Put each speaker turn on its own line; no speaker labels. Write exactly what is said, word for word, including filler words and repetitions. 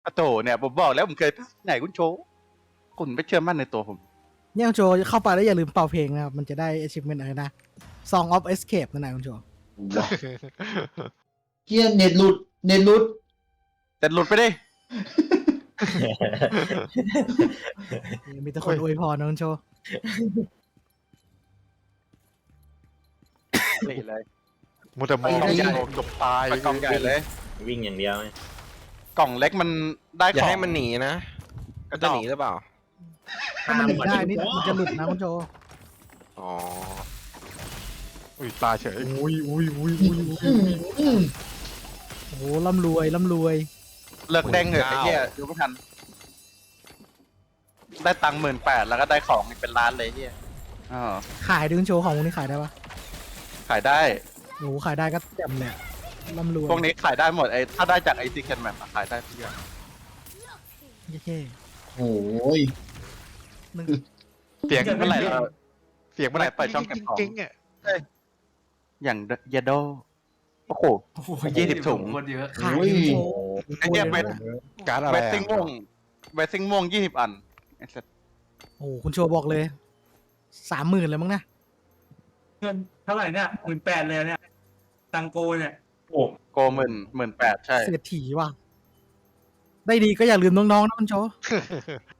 อะโถเนี่ยผมบอกแล้วผมเคยไหนคุณโชว์คุณไม่เชื่อมั่นในตัวผม
เนี่ยคุณโจเข้าไปแล้วอย่าลืมเป่าเพลงนะครับมันจะได้ achievement อะไรนะ Song of Escape นั่นแหละคุณโจ
ว้าเฮียเน็ตหลุดเน็ตหลุด
แต่หลุดไปดิ
มีแต่คนอวยพรนะคุณโจ
นี่เลย
มัวแต่มอง
ไปได้
โดนจบตาย
ไปกล่องใหญ่เลย
วิ่งอย่างเดียว
กล่องเล็กมันได้
อย่า
ของ
ให้มันหนีนะ
กระ
จะ
จอก
หนีหรือเปล่า
ถ้ามันหนีได้นี่มันจะหลุดนะคุณโจ
อ๋อ
อุ้ยตายเฉย
อุ้ยอุ้ยอุ้ยอุ้ยอุ้ย
อืม
โอ้โหร่ำรวยร่ำรวย
เลิกแดงเหอะไอ้เหี้ยดูไม่ทัน ได้ตังค์หมื่นแปดแล้วก็ได้ของอีกเป็นล้านเลยไอ้เหี้ยอ๋อ
ขายดึงโชว์ของพวกนี้ขายได้ปะ
ขายได้
โอ้โหขายได้ก็แจ่มเลยอะร่ำรวย
พวกนี้ขายได้หมดไอ้ถ้าได้จากไอซีเคนแมปขายได้ทุกอย่าง
เท่
โอ้ย
ๆหนึ่ง
เสียง
เมื่อไหร่เรา
เสียงเมื่อไหร่
เปิดช่องเก็บของ
จริงๆอ่ะ
อย่างยาโดโอ้โห ยี่สิบถุง
คนเยอะ
ขายดึงโชว์
ไอ้เหี้ยเวท
การดอะไร
เว
อะ
ทซิงม่วงเวทซิงม่วงยี่สิบอันไอ้สัส
โอ้โหคุณโชว์บอกเลยสามหมื่นเลยมั้งนะ
เงินเท่าไหร่เนี่ยหมื่นแปดเลยเนี่ย ตังโกเนี่ย
โกหมื่นหมื่นแปดใช่
เศรษฐีว่ะได้ดีก็อย่าลืมน้องๆนะคุณโชว์